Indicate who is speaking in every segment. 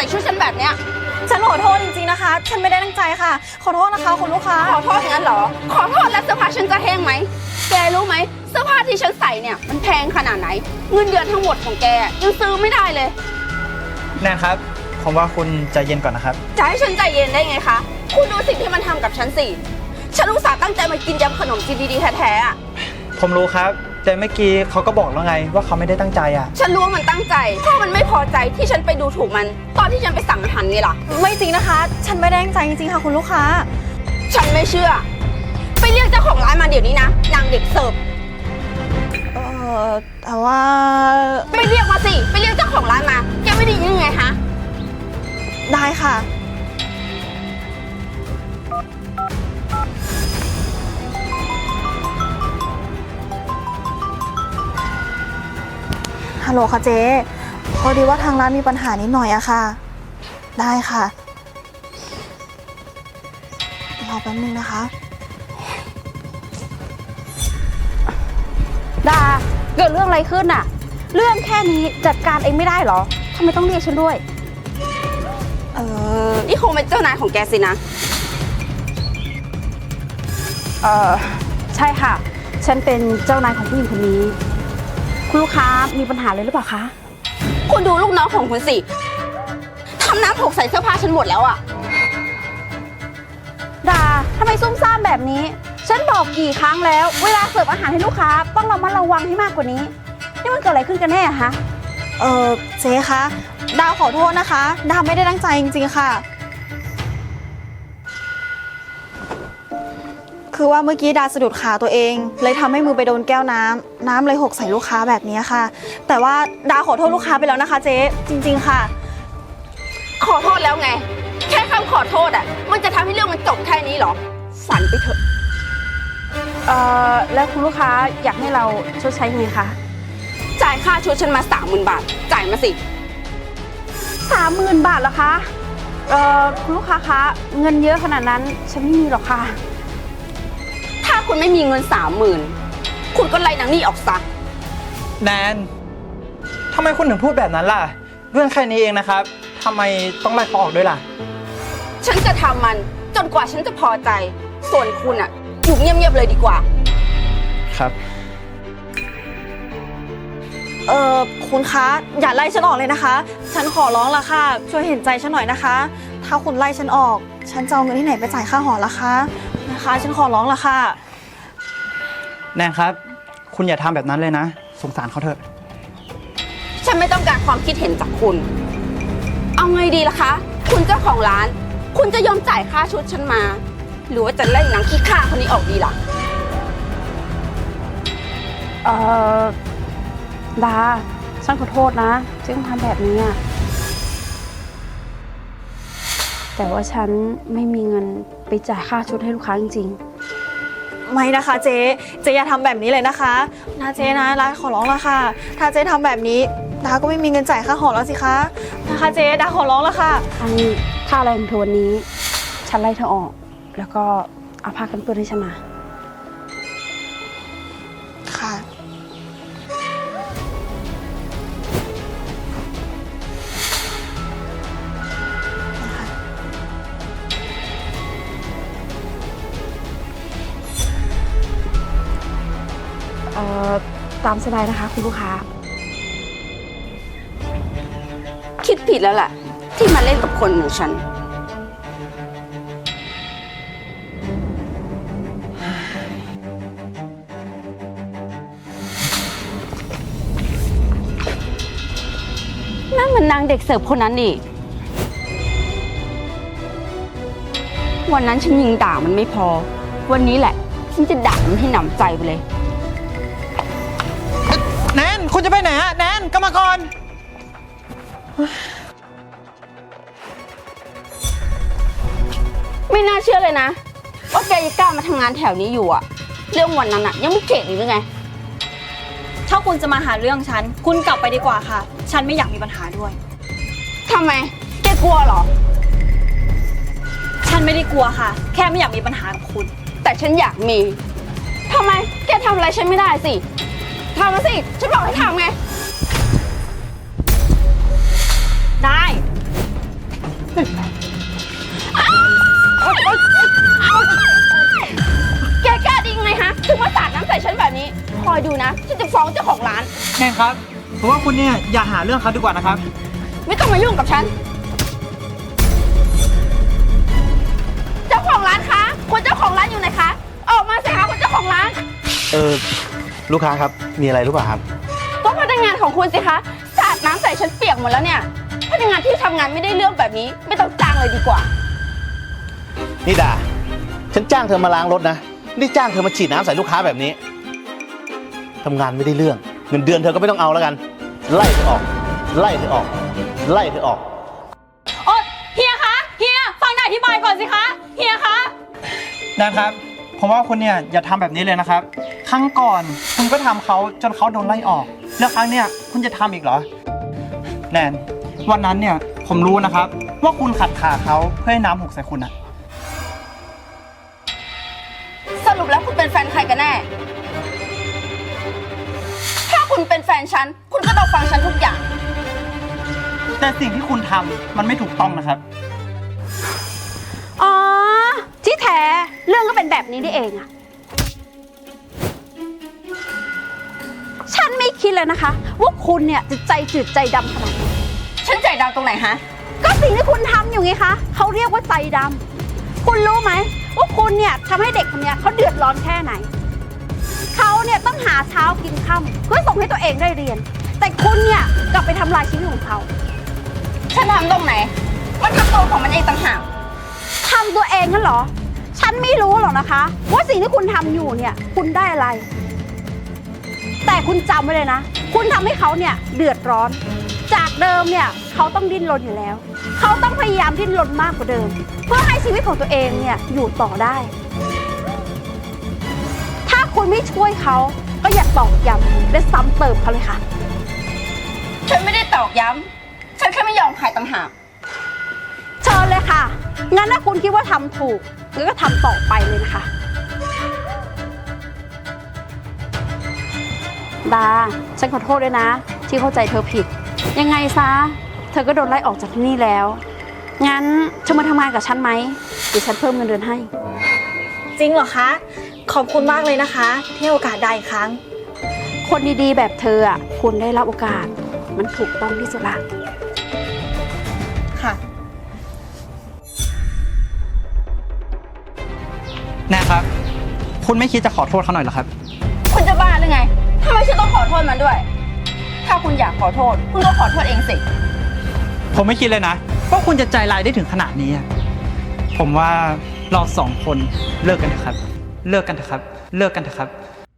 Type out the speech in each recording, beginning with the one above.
Speaker 1: ส่ชุดฉันแบบเนี้ย
Speaker 2: ฉันขอโทษจริงๆนะคะฉันไม่ได้ตั้งใจค่ะขอโทษนะคะคุณลูกค้า
Speaker 1: ขอโทษงั้นเหรอขอโทษแล้วเสื้อผ้าฉันจะแห้งไหมแกรู้ไหมเสื้อผ้าที่ฉันใส่เนี่ยมันแพงขนาดไหนเงินเดือนทั้งหมดของแกยังซื้อไม่ได้เลย
Speaker 3: แนนครับผมว่าคุณใจเย็นก่อนนะครับ
Speaker 1: จะให้ฉันใจเย็นได้ไงคะคุณดูสิ่งที่มันทำกับฉันสิฉันอุตส่าห์ตั้งใจมากินยำขนมจีนดีๆแท้ๆอ่ะ
Speaker 3: ผมรู้ครับแต่เมื่อกี้เขาก็บอกแล้วไงว่าเขาไม่ได้ตั้งใจอ่ะ
Speaker 1: ฉันรู้ว่ามันตั้งใจเพราะมันไม่พอใจที่ฉันไปดูถูกมันตอนที่ฉันไปสั่งอาหารไงล่ะ
Speaker 2: ไม่จริงนะคะฉันไม่ได้ตั้งใจจริงๆค่ะคุณลูกค้า
Speaker 1: ฉันไม่เชื่อไปเรียกเจ้าของร้านมาเดี๋ยวนี้นะนางเด็กเสิร์ฟ
Speaker 2: แต่ว่า
Speaker 1: ไปเรียกมาสิไปเรียกเจ้าของร้านมาแกไม่ได้ยินยังไงฮะ
Speaker 2: ได้ค่ะฮัลโหลค่ะเจ๊พอดีว่าทางร้านมีปัญหานิดหน่อยอะค่ะได้ค่ะรอแป๊บนึงนะคะ
Speaker 1: ดาเกิดเรื่องอะไรขึ้นน่ะเรื่องแค่นี้จัดการเองไม่ได้เหรอทำไมต้องเรียกฉันด้วยนี่คงเป็นเจ้านายของแกสินะใช่ค่ะฉันเป็นเจ้านายของผู้หญิงคนนี้คุณลูกค้ามีปัญหาเลยหรือเปล่าคะคุณดูลูกน้องของคุณสิทำน้ำหกใส่เสื้อผ้าฉันหมดแล้วอะดาทำไมซุ่มซ่ามแบบนี้ฉันบอกกี่ครั้งแล้วเวลาเสิร์ฟอาหารให้ลูกค้าต้องระมัดระวังให้มากกว่านี้นี่มันเกิดอะไรขึ้นกันแน่ฮะ
Speaker 2: เจ๊คะดาวขอโทษนะคะดาวไม่ได้ตั้งใจจริงๆค่ะคือว่าเมื่อกี้ดาสะดุดขาตัวเองเลยทำให้มือไปโดนแก้วน้ำเลยหกใส่ลูกค้าแบบนี้ค่ะแต่ว่าดาขอโทษลูกค้าไปแล้วนะคะเจ๊จริงๆค่ะ
Speaker 1: ขอโทษแล้วไงแค่คำขอโทษอ่ะมันจะทำให้เรื่องมันจบแค่นี้เหรอฝันไปเถอะแล้วคุณลูกค้าอยากให้เราชดใช้ยังไงคะจ่ายค่าชุดฉันมา 30,000 บาทจ่ายมาสิ 30,000 บาทเหรอคะคุณลูกค้าคะเงินเยอะขนาดนั้นฉันไม่มีหรอกค่ะถ้าคุณไม่มีเงิน 30,000คุณก็ไล่นางนี่ออกซะ
Speaker 3: แนนทำไมคุณถึงพูดแบบนั้นล่ะเรื่องแค่นี้เองนะครับทำไมต้องไล่เขาออกด้วยล่ะ
Speaker 1: ฉันจะทำมันจนกว่าฉันจะพอใจส่วนคุณอะอยู่เงียบๆเลยดีกว่า
Speaker 3: ครับ
Speaker 2: คุณคะอย่าไล่ฉันออกเลยนะคะฉันขอร้องละค่ะช่วยเห็นใจฉันหน่อยนะคะถ้าคุณไล่ฉันออกฉันจะเอาเงินที่ไหนไปจ่ายค่าหอละคะนะคะฉันขอร้องละค่ะ
Speaker 3: แนนครับคุณอย่าทำแบบนั้นเลยนะสงสารเขาเถอะ
Speaker 1: ฉันไม่ต้องการความคิดเห็นจากคุณเอาไงดีล่ะคะคุณเจ้าของร้านคุณจะยอมจ่ายค่าชุดฉันมาหรือว่าจะไล่นางขี้ข้าคนนี้ออกดีล่ะดาฉันขอโทษนะที่ต้องทำแบบนี้แต่ว่าฉันไม่มีเงินไปจ่ายค่าชุดให้ลูกค้าจริง
Speaker 2: ๆไม่นะคะเจ๊อย่าทำแบบนี้เลยนะคะนะเจ๊นะดาขอร้องละค่ะถ้าเจ๊ทำแบบนี้ดาก็ไม่มีเงินจ่ายค่าหอแล้วสิคะนะคะเจ๊ดาขอร้องละค่ะ
Speaker 1: อันค่าแรงเธอวันนี้ฉันไล่เธอออกแล้วก็เอาผ้ากันเปื้อนให้ฉันมา
Speaker 2: ค่ะ
Speaker 1: ตามสบายนะคะคุณลูกค้าคิดผิดแล้วแหละที่มาเล่นกับคนอย่างฉันนั่นมันนางเด็กเสิร์ฟคนนั้นนี่วันนั้นฉันยิงด่ามันไม่พอวันนี้แหละฉันจะด่ามันให้หนำใจไปเลย
Speaker 3: แนนคุณจะไปไหนอะแนนกลับมาก่อน
Speaker 1: ไม่น่าเชื่อเลยนะว่าแกยังกล้ามาทำงานแถวนี้อยู่อะเรื่องวันนั้นอะยังไม่เข็ดอีกหรือไง
Speaker 2: ถ้าคุณจะมาหาเรื่องฉันคุณกลับไปดีกว่าค่ะฉันไม่อยากมีปัญหาด้วย
Speaker 1: ทำไมแกกลัวเหรอ
Speaker 2: ฉันไม่ได้กลัวค่ะแค่ไม่อยากมีปัญหากับคุณ
Speaker 1: แต่ฉันอยากมีทำไมแกทำอะไรฉันไม่ได้สิทำมาสิฉันบอกให้ทำไง
Speaker 2: ได้
Speaker 3: ครับเพราะว่าคุณเนี่ยอย่าหาเรื่องเขาดีกว่านะครับ
Speaker 1: ไม่ต้องมายุ่งกับฉัน เจ้าของร้านคะคุณเจ้าของร้านอยู่ไหนคะ ออกมาสิคะคุณเจ้าของร้าน
Speaker 4: ลูกค้าครับ มีอะไรหรือเปล่าครับ
Speaker 1: ก็พนักงานของคุณสิคะสาดน้ำใส่ฉันเปียกหมดแล้วเนี่ย พนักงานที่ทำงานไม่ได้เรื่องแบบนี้ ไม่ต้องจ้างเลยดีกว่า
Speaker 4: นี่ดา ฉันจ้างเธอมาล้างรถนะ นี่จ้างเธอมาฉีดน้ำใส่ลูกค้าแบบนี้ ทำงานไม่ได้เรื่อง เงินเดือนเธอก็ไม่ต้องเอาแล้วกัน ไล่เธอออก ไล่เธอออก ไล่เธอออก
Speaker 2: โอ๊ยเฮียคะ เฮียฟังหน่อยอธิบายก่อนสิคะ เฮียคะ
Speaker 3: แนนครับ ผมว่าคุณเนี่ยอย่าทำแบบนี้เลยนะครับ ครั้งก่อนคุณก็ทำเขาจนเขาโดนไล่ออก แล้วครั้งเนี่ยคุณจะทำอีกเหรอ แนน วันนั้นเนี่ยผมรู้นะครับ ว่าคุณขัดขาเขาเพื่อให้น้ำหกใส่คุณอะ
Speaker 1: สรุปแล้วคุณเป็นแฟนใครกันแน่ ถ้าคุณเป็นแฟนฉัน คุณก็ต้องฟังฉันทุกอย่าง
Speaker 3: แต่สิ่งที่คุณทำมันไม่ถูกต้องนะครับ
Speaker 1: อ๋อ ที่แท้เรื่องก็เป็นแบบนี้นี่เองอะฉันไม่คิดเลยนะคะ ว่าคุณเนี่ยจะใจจืดใจดำขนาดนี้ ฉันใจดำตรงไหนฮะ ก็สิ่งที่คุณทำอยู่ไงคะเขาเรียกว่าใจดำคุณรู้ไหมว่าคุณเนี่ยทำให้เด็กคนเนี้ยเขาเดือดร้อนแค่ไหนเขาเนี่ยต้องหาเช้ากินค่ำเพื่อส่งให้ตัวเองได้เรียน แต่คุณเนี่ยกลับไปทำลายชีวิตของเขาฉันทำตรงไหนมันทำตัวของมันเองต่างหากทำตัวเองนั่นเหรอ ฉันไม่รู้หรอกนะคะ ว่าสิ่งที่คุณทำอยู่เนี่ยคุณได้อะไร แต่คุณจำไว้เลยนะ คุณทำให้เขาเนี่ยเดือดร้อน จากเดิมเนี่ยเขาต้องดิ้นรนอยู่แล้ว เขาต้องพยายามดิ้นรนมากกว่าเดิม เพื่อให้ชีวิตของตัวเองเนี่ยอยู่ต่อได้ ถ้าคุณไม่ช่วยเขาก็อย่าตอกย้ำและซ้ำเติมเขาเลยค่ะ ฉันไม่ได้ตอกย้ำฉันแค่ไม่ยอมขายต่างหากเชิญเลยค่ะ งั้นถ้าคุณคิดว่าทำถูกงั้นก็ทำต่อไปเลยนะคะดาฉันขอโทษด้วยนะ ที่เข้าใจเธอผิด ยังไงซะเธอก็โดนไล่ออกจากที่นี่แล้ว งั้นเธอมาทำงานกับฉันไหมเดี๋ยวฉันเพิ่มเงินเดือนให้
Speaker 2: จริงเหรอคะ ขอบคุณมากเลยนะคะที่ให้โอกาสได้อีกครั้ง
Speaker 1: คนดีๆแบบเธออ่ะคุณได้รับโอกาสมันถูกต้องที่สุดละ
Speaker 2: ค่ะ
Speaker 3: นะครับ คุณไม่คิดจะขอโทษเขาหน่อยเหรอครับ
Speaker 1: คุณจะบ้าหรือไงทำไมฉันต้องขอโทษมันด้วย ถ้าคุณอยากขอโทษคุณก็ขอโทษเองสิ
Speaker 3: ผมไม่คิดเลยนะว่าคุณจะใจร้ายได้ถึงขนาดนี้อะผมว่าเราสองคนเลิกกันเถอะครับ เลิกกันเถอะครับ เลิกกันเถอะครับ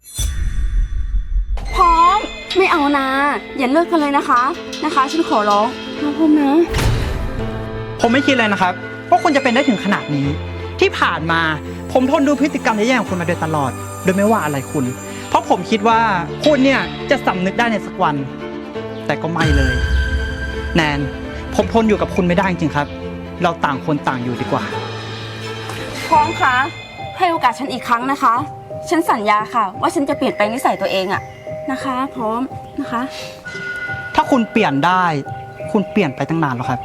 Speaker 1: พร้อมไม่เอานะอย่าเลิกกันเลยนะคะฉันขอร้องนะพร้อมนะ
Speaker 3: ผมไม่คิดเลยนะครับว่าคุณจะเป็นได้ถึงขนาดนี้ ที่ผ่านมาผมทนดูพฤติกรรมแย่ๆของคุณมาโดยตลอด โดยไม่ว่าอะไรคุณ เพราะผมคิดว่าคุณเนี่ยจะสำนึกได้ในสักวัน แต่ก็ไม่เลย แนนผมทนอยู่กับคุณไม่ได้จริงๆครับ เราต่างคนต่างอยู่ดีกว่า
Speaker 1: พร้อมคะให้โอกาสฉันอีกครั้งนะคะ ฉันสัญญาค่ะ ว่าฉันจะเปลี่ยนแปลงนิสัยตัวเองอะนะคะ พร้อมนะคะ
Speaker 3: ถ้าคุณเปลี่ยนได้ คุณเปลี่ยนไปตั้งนานแล้วครับ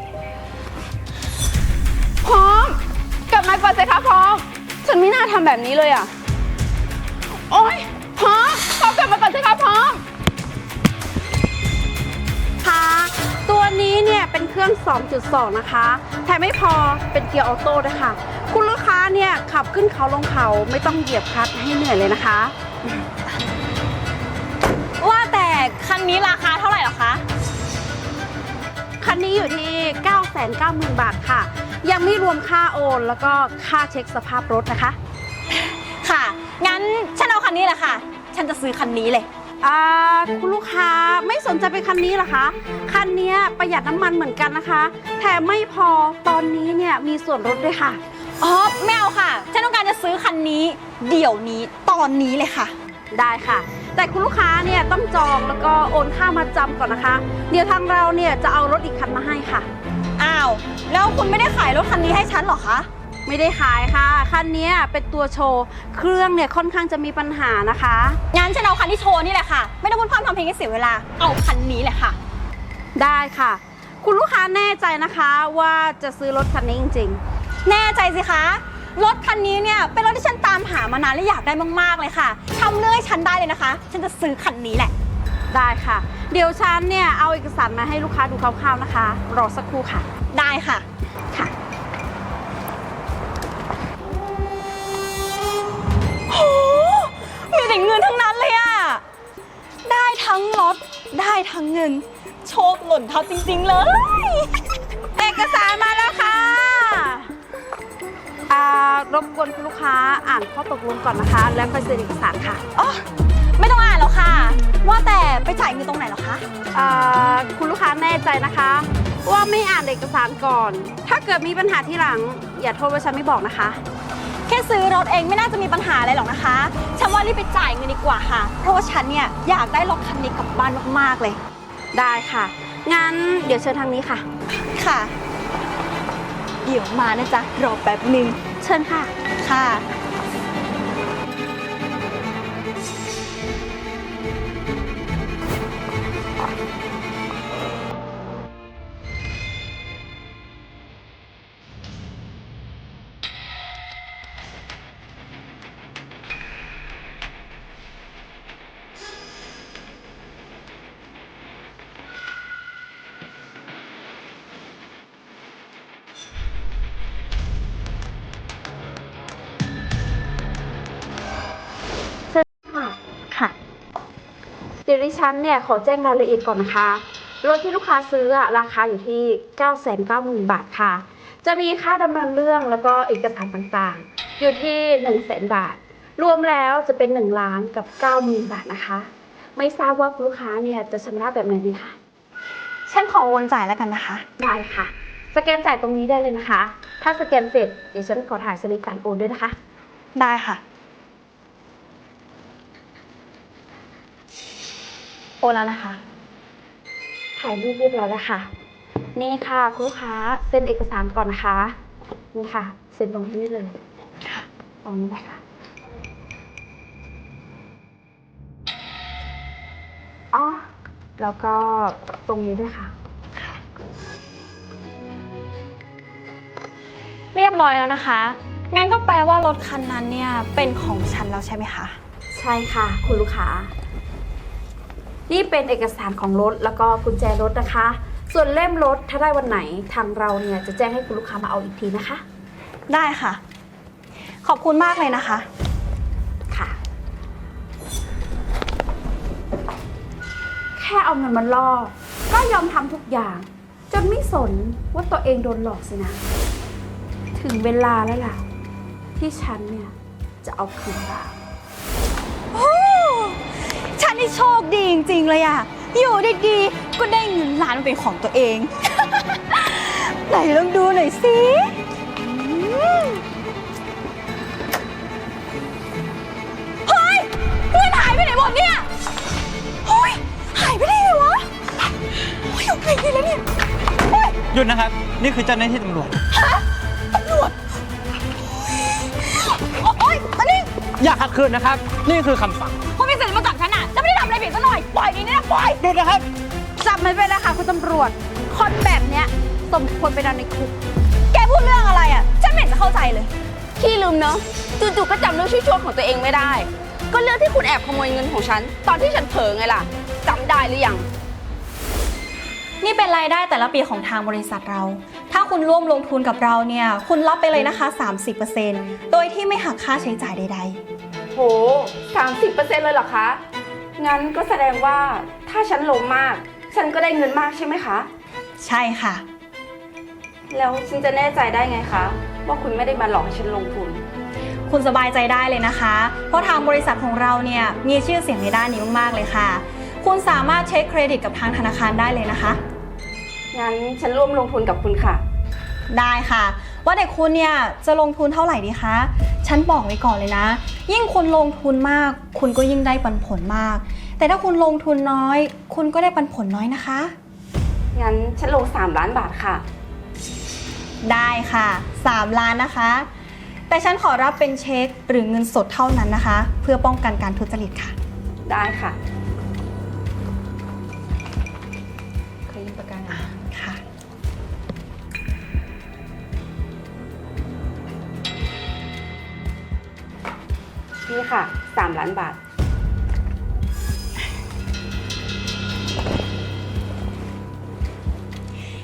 Speaker 1: พร้อมกลับมาก่อนสิคะพร้อมฉันไม่น่าทำแบบนี้เลยอะโอ๊ยพร้อมกลับมาก่อนสิคะพร้อมค่ะตัวนี้เนี่ยเป็นเครื่อง 2.2 นะคะแถมไม่พอเป็นเกียร์ออโต้ด้วยค่ะคุณลูกค้าเนี่ยขับขึ้นเขาลงเขาไม่ต้องเหยียบคลัตช์ให้เหนื่อยเลยนะคะ
Speaker 2: ว่าแต่คันนี้ราคาเท่าไหร่เหรอคะ
Speaker 1: คันนี้อยู่ที่ 990,000 บาทค่ะ ยังไม่รวมค่าโอนแล้วก็ค่าเช็คสภาพรถนะคะ
Speaker 2: ค่ะ งั้นฉันเอาคันนี้แหละค่ะ ฉันจะซื้อคันนี้เลย
Speaker 1: คุณลูกค้าไม่สนใจเป็นคันนี้เหรอคะ คันนี้ประหยัดน้ำมันเหมือนกันนะคะ แถมไม่พอตอนนี้เนี่ยมีส่วนลดด้วยค่ะ
Speaker 2: อ๋อไม่เอาค่ะ ฉันต้องการจะซื้อคันนี้ เดี๋ยวนี้ตอนนี้เลยค่ะ
Speaker 1: ได้ค่ะ แต่คุณลูกค้าเนี่ยต้องจองแล้วก็โอนค่ามาจำก่อนนะคะ เดี๋ยวทางเราเนี่ยจะเอารถอีกคันมาให้ค่ะ
Speaker 2: อ้าว แล้วคุณไม่ได้ขายรถคันนี้ให้ฉันเหรอคะ
Speaker 1: ไม่ได้ขายค่ะ คันนี้เป็นตัวโชว์ เครื่องเนี่ยค่อนข้างจะมีปัญหานะคะ
Speaker 2: งั้นฉันเอาคันที่โชว์นี่แหละค่ะ ไม่ต้องพูดพร่ำทำเพลงให้เสียเวลา เอาคันนี้แหละค่ะ
Speaker 1: ได้ค่ะ คุณลูกค้าแน่ใจนะคะว่าจะซื้อรถคันนี้จริงๆ
Speaker 2: แน่ใจสิคะ รถคันนี้เนี่ยเป็นรถที่ฉันตามหามานานและอยากได้มากๆเลยค่ะทำเรื่องให้ฉันได้เลยนะคะ ฉันจะซื้อคันนี้แหละ
Speaker 1: ได้ค่ะ เดี๋ยวฉันเนี่ยเอาเอกสารมาให้ลูกค้าดูคร่าวๆนะคะ รอสักครู่ค่ะ
Speaker 2: ได้ค่ะ
Speaker 1: ค่ะ
Speaker 2: โห มีแต่เงินทั้งนั้นเลยอะได้ทั้งรถ ได้ทั้งเงิน โชคหล่นทับจริงๆเลย
Speaker 1: เอกสารมาแล้วค่ะรบกวนคุณลูกค้าอ่านข้อตกลงก่อนนะคะ แล้วค่อยเซ็นเอกสารค่ะ
Speaker 2: อ๋อ ไม่ต้องอ่านแล้วค่ะ ว่าแต่ไปจ่ายเงินตรงไหนเหรอคะ
Speaker 1: คุณลูกค้าแน่ใจนะคะ ว่าไม่อ่านเอกสารก่อน ถ้าเกิดมีปัญหาที่หลัง อย่าโทษว่าฉันไม่บอกนะคะ
Speaker 2: แค่ซื้อรถเองไม่น่าจะมีปัญหาอะไรหรอกนะคะ ฉันว่ารีบไปจ่ายเงินดีกว่าค่ะ เพราะว่าฉันเนี่ยอยากได้รถคันนี้กลับบ้านมากๆเลย
Speaker 1: ได้ค่ะ งั้นเดี๋ยวเชิญทางนี้ค่ะ
Speaker 2: ค่ะ เดี๋ยวมานะจ๊ะ รอแป๊บหนึ่ง
Speaker 1: เชิญค่ะ
Speaker 2: ค่ะ
Speaker 1: ค่ะเดี๋ยวดิฉันเนี่ยขอแจ้งรายละเอียดก่อนนะคะ รถที่ลูกค้าซื้อราคาอยู่ที่ 990,000 บาทค่ะ จะมีค่าดำเนินเรื่องแล้วก็เอกสารต่างๆ อยู่ที่ 100,000 บาท รวมแล้วจะเป็น1,90,000 บาทนะคะ ไม่ทราบว่าคุณลูกค้าเนี่ยจะชำระแบบไหนดีคะ
Speaker 2: ฉันขอโอนจ่ายแล้วกันนะคะ
Speaker 1: ได้ค่ะ สแกนจ่ายตรงนี้ได้เลยนะคะ ถ้าสแกนเสร็จเดี๋ยวฉันขอถ่ายสลิปการโอนด้วยนะคะ
Speaker 2: ได้ค่ะ โอนแล้วนะคะ
Speaker 1: ถ่ายรูปเรียบร้อยแล้วค่ะ นี่ค่ะคุณลูกค้าเซ็นเอกสารก่อนนะคะ นี่ค่ะเซ็นตรงนี้เลยค่ะตรงนี้นะคะอ๋อแล้วก็ตรงนี้ด้วยค่ะ
Speaker 2: เรียบร้อยแล้วนะคะ งั้นก็แปลว่ารถคันนั้นเนี่ยเป็นของฉันแล้วใช่ไหมคะ
Speaker 1: ใช่ค่ะคุณลูกค้า นี่เป็นเอกสารของรถแล้วก็กุญแจรถนะคะ ส่วนเล่มรถถ้าได้วันไหนทางเราเนี่ยจะแจ้งให้คุณลูกค้ามาเอาอีกทีนะคะ
Speaker 2: ได้ค่ะ ขอบคุณมากเลยนะคะ
Speaker 1: ค่ะ แค่เอาเงินมาล่อก็ยอมทำทุกอย่าง จนไม่สนว่าตัวเองโดนหลอกสินะ ถึงเวลาแล้วล่ะ ที่ฉันเนี่ยจะเอาคืนบ้าง
Speaker 2: โอ้ฉันนี่โชคดีจริงๆเลยอะอยู่ดีๆก็ได้เงินล้านมาเป็นของตัวเอง ไหนลองดูหน่อยสิเฮ้ยเงินหายไปไหนหมดเนี่ยเฮ้ยหายไปได้ไงวะเฮ้ยเอาไปไหนแล้วเนี่ยเฮ้ย
Speaker 3: หยุดนะครับ นี่คือเจ้าหน้าที่ตำรวจ
Speaker 2: ตำรวจโอ๊ยอันนี้
Speaker 3: อย่าขัดขืนนะครับ นี่คือคำสั่ง
Speaker 2: คุณมีสิทธิ์มาจับฉันอะฉันไม่ได้ทำอะไรผิดซะหน่อย ปล่อยนี่นะปล่อย
Speaker 3: หยุดนะครับ
Speaker 1: จับมันไปแล้วค่ะคุณตำรวจ คนแบบเนี้ยสมควรไปนอนในคุก
Speaker 2: แกพูดเรื่องอะไรอะฉันไม่เห็นจะเข้าใจเลย
Speaker 1: ขี้ลืมเนาะจู่ๆก็จำเรื่องชั่วๆของตัวเองไม่ได้ ก็เรื่องที่คุณแอบขโมยเงินของฉัน ตอนที่ฉันเผลอไงล่ะจำได้หรือยัง
Speaker 2: นี่เป็นรายได้แต่ละปีของทางบริษัทเรา ถ้าคุณร่วมลงทุนกับเราเนี่ย คุณรับไปเลยนะคะ 30%โดยที่ไม่หักค่าใช้จ่ายใด
Speaker 1: โห 30% เลยเหรอคะ งั้นก็แสดงว่าถ้าฉันลงมาก ฉันก็ได้เงินมากใช่ไหมคะ
Speaker 2: ๆ ใช่ค่ะ
Speaker 1: แล้วฉันจะแน่ใจได้ไงคะ ว่าคุณไม่ได้มาหลอกให้ฉันลงทุน
Speaker 2: คุณสบายใจได้เลยนะคะ เพราะทางบริษัทของเราเนี่ยมีชื่อเสียงในด้านนี้มากๆเลยค่ะ คุณสามารถเช็คเครดิตกับทางธนาคารได้เลยนะคะ
Speaker 1: งั้นฉันร่วมลงทุนกับคุณค่ะ
Speaker 2: ได้ค่ะ ว่าแต่คุณเนี่ยจะลงทุนเท่าไหร่ดีคะ ฉันบอกไว้ก่อนเลยนะ ยิ่งคุณลงทุนมาก คุณก็ยิ่งได้ปันผลมาก แต่ถ้าคุณลงทุนน้อย คุณก็ได้ปันผลน้อยนะคะ
Speaker 1: งั้นฉันลง3 ล้านบาทค่ะ
Speaker 2: ได้ค่ะ 3 ล้านนะคะ แต่ฉันขอรับเป็นเช็คหรือเงินสดเท่านั้นนะคะ เพื่อป้องกันการทุจริตค่ะ
Speaker 1: ได้ค่ะ
Speaker 2: เคยยืมประกันค่ะ
Speaker 1: นี่ค่ะ3 ล้านบาท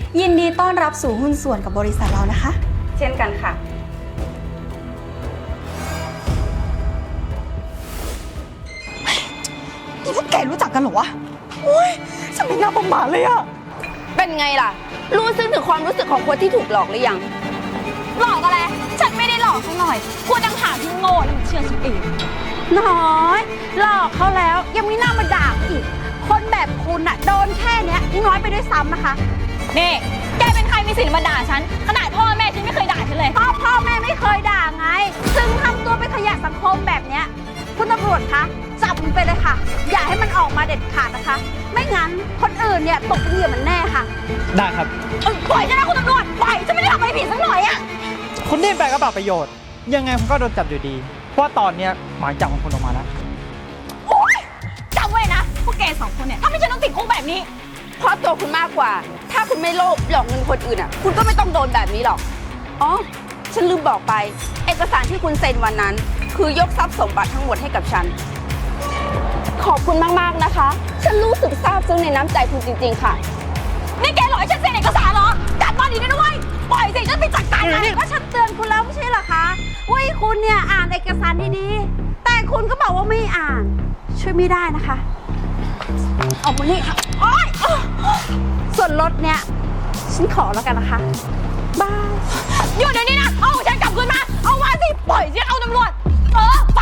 Speaker 2: ยินดีต้อนรับสู่หุ้นส่วนกับบริษัทเรานะคะ
Speaker 1: เช่นกันค่ะ
Speaker 2: นี่พวกแกรู้จักกันเหรอวะโอ้ยฉันไม่น่าประมาทเลยอะ
Speaker 1: เป็นไงล่ะ รู้ซึ้งถึงความรู้สึกของคนที่ถูกหลอกหรือยัง
Speaker 2: หลอกอะไร ฉันไม่ได้หลอกสักหน่อยกลัวจังหาที่โง่แล้วมันเชื่อฉันเอง
Speaker 1: น้อยหลอกเขาแล้วยังมีหน้ามาด่าอีก คนแบบคุณอะโดนแค่เนี้ยยังน้อยไปด้วยซ้ำนะคะ
Speaker 2: นี่ แกเป็นใครมีสิทธิ์มาด่าฉัน ขนาดพ่อแม่ฉันไม่เคยด่าฉันเลย
Speaker 1: พ่อแม่ไม่เคยด่าไง ซึ่งทำตัวเป็นขยะสังคมแบบเนี้ยคุณตำรวจคะจับมันไปเลยค่ะ อย่าให้มันออกมาเด็ดขาดนะคะ ไม่งั้นคนอื่นเนี่ยตกเป็นเหยื่อมันแน่ค่ะ
Speaker 3: ได้ครับ
Speaker 2: ปล่อยฉันนะคุณตำรวจปล่อยฉันไม่ได้ทำอะไรผิดสักหน่อยอะ
Speaker 3: คุณดิ้นไปก็เปล่าประโยชน์ ยังไงคุณก็โดนจับอยู่ดี เพราะว่าตอนเนี้ยหมายจับของคุณออกมาแล้ว
Speaker 2: โอ๊ยจำไว้นะพวกแกสองคนเนี่ยถ้าไม่ฉันต้องติดคุกแบบนี้
Speaker 1: เพราะตัวคุณมากกว่า ถ้าคุณไม่โลภหลอกเงินคนอื่นอ่ะ คุณก็ไม่ต้องโดนแบบนี้หรอก อ๋อ ฉันลืมบอกไป เอกสารที่คุณเซ็นวันนั้น คือยกทรัพย์สมบัติทั้งหมดให้กับฉัน ขอบคุณมากๆนะคะ ฉันรู้สึกซาบซึ้งในน้ำใจคุณจริงๆค่ะ
Speaker 2: นี่แกหลอกให้ฉันเซ็นเอกสารเหรอจัดมาดีนะเว้ยปล่อยสิฉันไปจัดการมัน
Speaker 1: ก็ฉันเตือนคุณแล้วไม่ใช่เหรอคะว่าให้คุณเนี่ยอ่านเอกสารดีๆ แต่คุณก็บอกว่าไม่อ่าน ช่วยไม่ได้นะคะ เอามานี่ค่ะโอ๊ยส่วนรถเนี่ย ฉันขอแล้วกันนะคะ บาย